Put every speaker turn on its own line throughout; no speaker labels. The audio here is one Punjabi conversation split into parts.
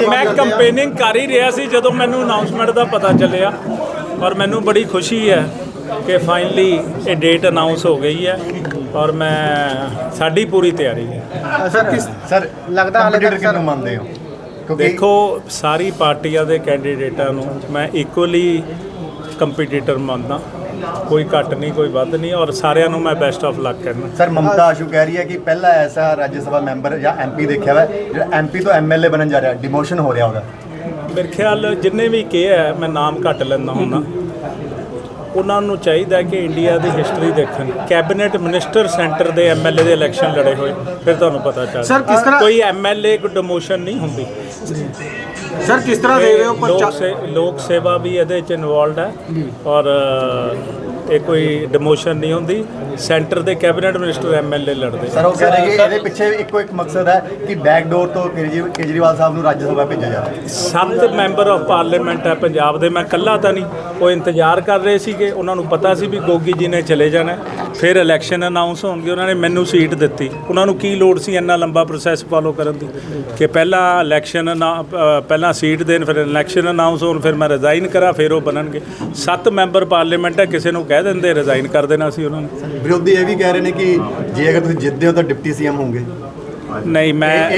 मैं ਕੰਪੇਨਿੰਗ कर ही रहा सी ਜਦੋਂ ਮੈਨੂੰ ਅਨਾਉਂਸਮੈਂਟ ਦਾ ਪਤਾ ਚੱਲਿਆ और ਮੈਨੂੰ ਬੜੀ ਖੁਸ਼ੀ है कि फाइनली ये डेट अनाउंस हो गई है और मैं साड़ी पूरी तैयारी है।
सर लगता हाले तक सर मानते हो
देखो सारी पार्टियां दे कैंਡੀਡੇਟਾਂ ਨੂੰ मैं इक्वली कंपीटीटर मानदा, कोई घट नहीं कोई वध नहीं और सारिਆਂ ਨੂੰ मैं बेस्ट ऑफ लक कहना।
सर ममता आशू कह रही है कि पहला ऐसा राज्यसभा मैंबर या MP देखा हुआ है जो MP तो MLA बनन जा रहा है, डिमोशन हो रहा होगा।
मेरे ख्याल जिन्ने भी किया है मैं नाम घट लेंदा हुंदा, ਉਹਨਾਂ ਨੂੰ ਚਾਹੀਦਾ ਕਿ ਇੰਡੀਆ ਦੀ ਹਿਸਟਰੀ ਦੇਖਣ। ਕੈਬਨਿਟ ਮਿਨਿਸਟਰ ਸੈਂਟਰ ਦੇ MLA ਦੇ ਇਲੈਕਸ਼ਨ ਲੜੇ ਹੋਏ, ਫਿਰ ਤੁਹਾਨੂੰ ਪਤਾ ਚੱਲ
ਸਰ ਕਿਸ ਤਰ੍ਹਾਂ
ਕੋਈ MLA ਕੋਈ ਡਿਮੋਸ਼ਨ ਨਹੀਂ ਹੁੰਦੀ।
ਸਰ ਕਿਸ ਤਰ੍ਹਾਂ ਦੇ ਰਹੇ ਹੋ
ਲੋਕ ਸੇਵਾ ਵੀ ਇਹਦੇ ਚ ਇਨਵੋਲਡ ਹੈ ਔਰ ਇਹ ਕੋਈ ਡਿਮੋਸ਼ਨ ਨਹੀਂ ਹੁੰਦੀ। ਸੈਂਟਰ ਦੇ ਕੈਬਨਿਟ ਮਿਨਿਸਟਰ MLA ਲੜਦੇ।
ਸਰ ਉਹ ਕਹਿ ਰਹੇ ਕਿ ਇਹਦੇ ਪਿੱਛੇ ਇੱਕੋ ਇੱਕ ਮਕਸਦ ਹੈ ਕਿ ਬੈਕਡੋਰ ਤੋਂ ਕੇਜਰੀਵਾਲ ਸਾਹਿਬ ਨੂੰ ਰਾਜ ਸਭਾ ਭੇਜਿਆ ਜਾਵੇ।
7 ਮੈਂਬਰ ਆਫ ਪਾਰਲੀਮੈਂਟ ਹੈ ਪੰਜਾਬ ਦੇ, ਮੈਂ ਇਕੱਲਾ ਤਾਂ ਨਹੀਂ। ਉਹ ਇੰਤਜ਼ਾਰ ਕਰ ਰਹੇ ਸੀਗੇ, ਉਹਨਾਂ ਨੂੰ ਪਤਾ ਸੀ ਵੀ ਗੋਗੀ ਜੀ ਨੇ ਚਲੇ ਜਾਣਾ, ਫਿਰ ਇਲੈਕਸ਼ਨ ਅਨਾਉਂਸ ਹੋਣਗੇ। ਉਹਨਾਂ ਨੇ ਮੈਨੂੰ ਸੀਟ ਦਿੱਤੀ, ਉਹਨਾਂ ਨੂੰ ਕੀ ਲੋੜ ਸੀ ਇੰਨਾ ਲੰਬਾ ਪ੍ਰੋਸੈਸ ਫਾਲੋ ਕਰਨ ਦੀ ਕਿ ਪਹਿਲਾਂ ਇਲੈਕਸ਼ਨ ਪਹਿਲਾਂ ਸੀਟ ਦੇਣ, ਫਿਰ ਇਲੈਕਸ਼ਨ ਅਨਾਉਂਸ ਹੋਣ, ਫਿਰ ਮੈਂ ਰਿਜ਼ਾਈਨ ਕਰਾਂ, ਫਿਰ ਉਹ ਬਣਨਗੇ। 7 ਮੈਂਬਰ ਪਾਰਲੀਮੈਂਟ ਹੈ, ਕਿਸੇ ਨੂੰ ਕਹਿ ਦਿੰਦੇ ਰਿਜ਼ਾਈਨ ਕਰ ਦੇਣਾ ਸੀ ਉਹਨਾਂ ਨੇ।
ਵਿਰੋਧੀ ਇਹ ਵੀ ਕਹਿ ਰਹੇ ਨੇ ਕਿ ਜੇ ਅਗਰ ਤੁਸੀਂ ਜਿੱਤਦੇ ਹੋ ਤਾਂ ਡਿਪਟੀ CM ਹੋਣਗੇ।
ਨਹੀਂ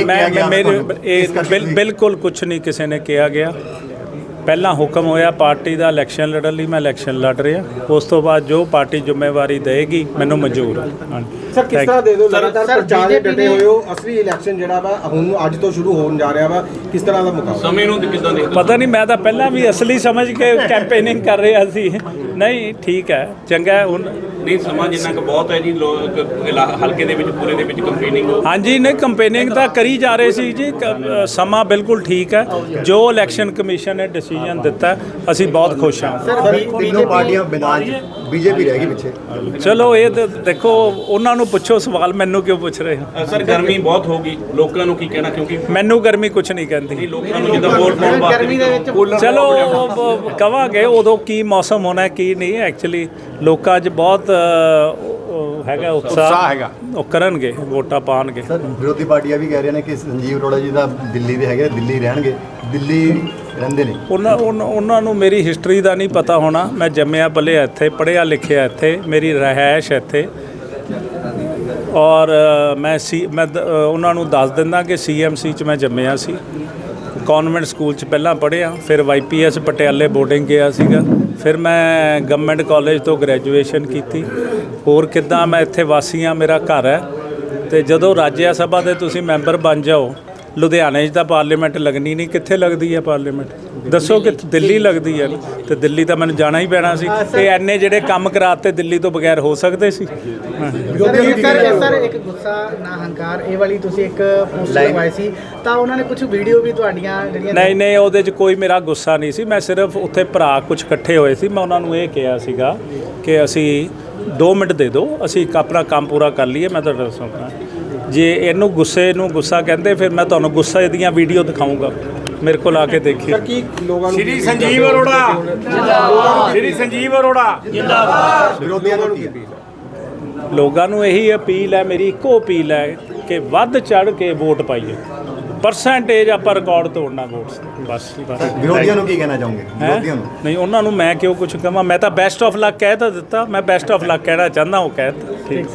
ਮੇਰੇ ਬਿਲਕੁਲ ਕੁਛ ਨਹੀਂ ਕਿਸੇ ਨੇ ਕਿਹਾ ਗਿਆ। ਪਹਿਲਾਂ ਹੁਕਮ ਹੋਇਆ ਪਾਰਟੀ ਦਾ ਇਲੈਕਸ਼ਨ ਲੜਨ ਲਈ, ਮੈਂ ਇਲੈਕਸ਼ਨ ਲੜ ਰਿਹਾ। ਉਸ ਤੋਂ ਬਾਅਦ ਜੋ ਪਾਰਟੀ ਜ਼ਿੰਮੇਵਾਰੀ ਦੇਗੀ ਮੈਨੂੰ ਮਨਜ਼ੂਰ ਹੈ।
ਸਰ ਕਿਸ ਤਰ੍ਹਾਂ ਦੇ ਦਿਓ ਲਗਾਤਾਰ ਪ੍ਰਚਾਰ ਦੇ ਡਟੇ ਹੋਏ ਹੋ, ਅਸਲੀ ਇਲੈਕਸ਼ਨ ਜਿਹੜਾ ਵਾ ਹੁਣ ਅੱਜ ਤੋਂ ਸ਼ੁਰੂ ਹੋਣ ਜਾ ਰਿਹਾ ਵਾ, ਕਿਸ ਤਰ੍ਹਾਂ ਦਾ ਮੁਕਾਬਲਾ ਸਮੇਂ ਨੂੰ ਕਿੱਦਾਂ ਦੇਖਦੇ?
ਪਤਾ ਨਹੀਂ, ਮੈਂ ਤਾਂ ਪਹਿਲਾਂ ਵੀ ਅਸਲੀ ਸਮਝ ਕੇ ਕੈਂਪੇਨਿੰਗ ਕਰ ਰਿਹਾ ਸੀ। ਨਹੀਂ ਠੀਕ ਹੈ, ਚੰਗਾ। ਹੁਣ
ਨਹੀਂ ਸਮਾਂ ਜਿੰਨਾ ਕੁ ਬਹੁਤ ਹੈ ਜੀ, ਲੋਕ ਹਲਕੇ ਦੇ ਵਿੱਚ ਪੂਰੇ ਦੇ ਵਿੱਚ ਕੰਪੇਨਿੰਗ
ਹਾਂਜੀ ਨਹੀਂ ਕੰਪੇਨਿੰਗ ਤਾਂ ਕਰੀ ਜਾ ਰਹੇ ਸੀ ਜੀ। ਸਮਾਂ ਬਿਲਕੁਲ ਠੀਕ ਹੈ। ਜੋ ਇਲੈਕਸ਼ਨ ਕਮਿਸ਼ਨ ਨੇ ਡਿਸੀਜਨ ਦਿੱਤਾ ਅਸੀਂ ਬਹੁਤ ਖੁਸ਼ ਹਾਂ।
ਤਿੰਨੋਂ ਪਾਰਟੀਆਂ ਮੈਦਾਨ 'ਚ, BJP ਰਹਿ ਗਈ ਪਿੱਛੇ।
ਚਲੋ ਇਹ ਤਾਂ ਦੇਖੋ ਉਹਨਾਂ ਨੂੰ ਪੁੱਛੋ ਸਵਾਲ, ਮੈਨੂੰ ਕਿਉਂ ਪੁੱਛ ਰਹੇ ਹੋ?
ਸਰ ਗਰਮੀ ਬਹੁਤ ਹੋ ਗਈ, ਲੋਕਾਂ ਨੂੰ ਕੀ ਕਹਿਣਾ? ਕਿਉਂਕਿ
ਮੈਨੂੰ ਗਰਮੀ ਕੁਛ ਨਹੀਂ ਕਹਿੰਦੀ।
ਲੋਕਾਂ ਨੂੰ ਜਿੱਦਾਂ ਵੋਟ ਪਾਉਣ ਵਾਸਤੇ
ਚਲੋ ਕਵਾਂਗੇ ਉਦੋਂ ਕੀ ਮੌਸਮ ਹੋਣਾ ਕੀ ਨਹੀਂ। ਐਕਚੁਅਲੀ ਲੋਕਾਂ 'ਚ ਬਹੁਤ ਹੈਗਾ ਉਤਸ਼ਾਹ ਹੈਗਾ, ਉਹ ਕਰਨਗੇ, ਵੋਟਾਂ ਪਾਉਣਗੇ।
ਸਰ ਵਿਰੋਧੀ ਪਾਰਟੀਆਂ ਵੀ ਕਹਿ ਰਹੀਆਂ ਨੇ ਕਿ ਸੰਜੀਵ ਅਰੋੜਾ ਜੀ ਦਾ ਦਿੱਲੀ ਦੇ ਹੈਗੇ, ਦਿੱਲੀ ਰਹਿਣਗੇ, ਦਿੱਲੀ ਰਹਿੰਦੇ ਨੇ।
ਉਹਨਾਂ ਨੂੰ ਮੇਰੀ ਹਿਸਟਰੀ ਦਾ ਨਹੀਂ ਪਤਾ ਹੋਣਾ। ਮੈਂ ਜੰਮਿਆ ਪਲਿਆ ਇੱਥੇ, ਪੜ੍ਹਿਆ ਲਿਖਿਆ ਇੱਥੇ, ਮੇਰੀ ਰਿਹਾਇਸ਼ ਇੱਥੇ ਔਰ ਮੈਂ ਉਹਨਾਂ ਨੂੰ ਦੱਸ ਦਿੰਦਾ ਕਿ CMC 'ਚ ਮੈਂ ਜੰਮਿਆ ਸੀ, ਕਨਵੈਂਟ ਸਕੂਲ 'ਚ ਪਹਿਲਾਂ ਪੜ੍ਹਿਆ, ਫਿਰ YPS ਪਟਿਆਲੇ ਬੋਰਡਿੰਗ ਗਿਆ ਸੀਗਾ, ਫਿਰ ਮੈਂ ਗਵਰਨਮੈਂਟ ਕਾਲਜ ਤੋਂ ਗ੍ਰੈਜੂਏਸ਼ਨ ਕੀਤੀ। ਹੋਰ ਕਿੱਦਾਂ ਮੈਂ ਇੱਥੇ ਵਾਸੀ ਹਾਂ, ਮੇਰਾ ਘਰ ਹੈ। ਅਤੇ ਜਦੋਂ ਰਾਜ ਸਭਾ ਦੇ ਤੁਸੀਂ ਮੈਂਬਰ ਬਣ ਜਾਓ, ਲੁਧਿਆਣੇ 'ਚ ਤਾਂ ਪਾਰਲੀਮੈਂਟ ਲੱਗਣੀ ਨਹੀਂ, ਕਿੱਥੇ ਲੱਗਦੀ ਹੈ ਪਾਰਲੀਮੈਂਟ? ਦੱਸੋ ਕਿ ਦਿੱਲੀ ਲੱਗਦੀ ਹੈ ਨਾ, ਅਤੇ ਦਿੱਲੀ ਤਾਂ ਮੈਨੂੰ ਜਾਣਾ ਹੀ ਪੈਣਾ ਸੀ। ਅਤੇ ਐਨੇ ਜਿਹੜੇ ਕੰਮ ਕਰਾਤੇ ਦਿੱਲੀ ਤੋਂ ਬਗੈਰ ਹੋ ਸਕਦੇ ਸੀ?
ਸਰ ਇੱਕ ਗੁੱਸਾ ਨਾ ਹੰਕਾਰ ਇਹ ਵਾਲੀ ਤੁਸੀਂ ਇੱਕ ਪੋਸਟ ਲਗਵਾਈ ਸੀ, ਤਾਂ ਉਹਨਾਂ ਨੇ ਕੁਝ ਵੀਡੀਓ ਵੀ ਤੁਹਾਡੀਆਂ ਜਿਹੜੀਆਂ
ਨਹੀਂ ਉਹਦੇ 'ਚ ਕੋਈ ਮੇਰਾ ਗੁੱਸਾ ਨਹੀਂ ਸੀ। ਮੈਂ ਸਿਰਫ ਉੱਥੇ ਭਰਾ ਕੁਝ ਇਕੱਠੇ ਹੋਏ ਸੀ, ਮੈਂ ਉਹਨਾਂ ਨੂੰ ਇਹ ਕਿਹਾ ਸੀਗਾ ਕਿ ਅਸੀਂ 2 ਮਿੰਟ ਦੇ ਦਿਓ, ਅਸੀਂ ਆਪਣਾ ਕੰਮ ਪੂਰਾ ਕਰ ਲਈਏ, ਮੈਂ ਤੁਹਾਡਾ ਦੱਸਾਂਗਾ। ਜੇ ਇਹਨੂੰ ਗੁੱਸੇ ਨੂੰ ਗੁੱਸਾ ਕਹਿੰਦੇ, ਫਿਰ ਮੈਂ ਤੁਹਾਨੂੰ ਗੁੱਸੇ ਦੀਆਂ ਵੀਡੀਓ ਦਿਖਾਊਂਗਾ, ਮੇਰੇ ਕੋਲ ਆ ਕੇ ਦੇਖੀ।
ਸ਼੍ਰੀ ਸੰਜੀਵ ਅਰੋੜਾ ਜਿੰਦਾਬਾਦ, ਸ਼੍ਰੀ ਸੰਜੀਵ ਅਰੋੜਾ ਜਿੰਦਾਬਾਦ।
ਵਿਰੋਧੀਆਂ ਨੂੰ ਕੀ
ਲੋਕਾਂ ਨੂੰ ਇਹੀ ਅਪੀਲ ਹੈ, ਮੇਰੀ ਇੱਕੋ ਅਪੀਲ ਹੈ ਕਿ ਵੱਧ ਚੜ੍ਹ ਕੇ ਵੋਟ ਪਾਈਏ। ਪਰਸੈਂਟੇਜ ਆਪਾਂ ਰਿਕਾਰਡ ਤੋੜਨਾ ਵੋਟਸ, ਬਸ।
ਵਿਰੋਧੀਆਂ ਨੂੰ ਕੀ ਕਹਿਣਾ ਚਾਹੋਗੇ? ਵਿਰੋਧੀਆਂ ਨੂੰ
ਨਹੀਂ, ਉਹਨਾਂ ਨੂੰ ਮੈਂ ਕਿਉਂ ਕੁਝ ਕਹਾਂ? ਮੈਂ ਤਾਂ ਬੈਸਟ ਆਫ ਲੱਕ ਕਹਿ ਤਾਂ ਦਿੱਤਾ, ਮੈਂ ਬੈਸਟ ਆਫ ਲੱਕ ਕਹਿਣਾ ਚਾਹੁੰਦਾ, ਉਹ ਕਹਿ ਦਿੱਤਾ। ਠੀਕ।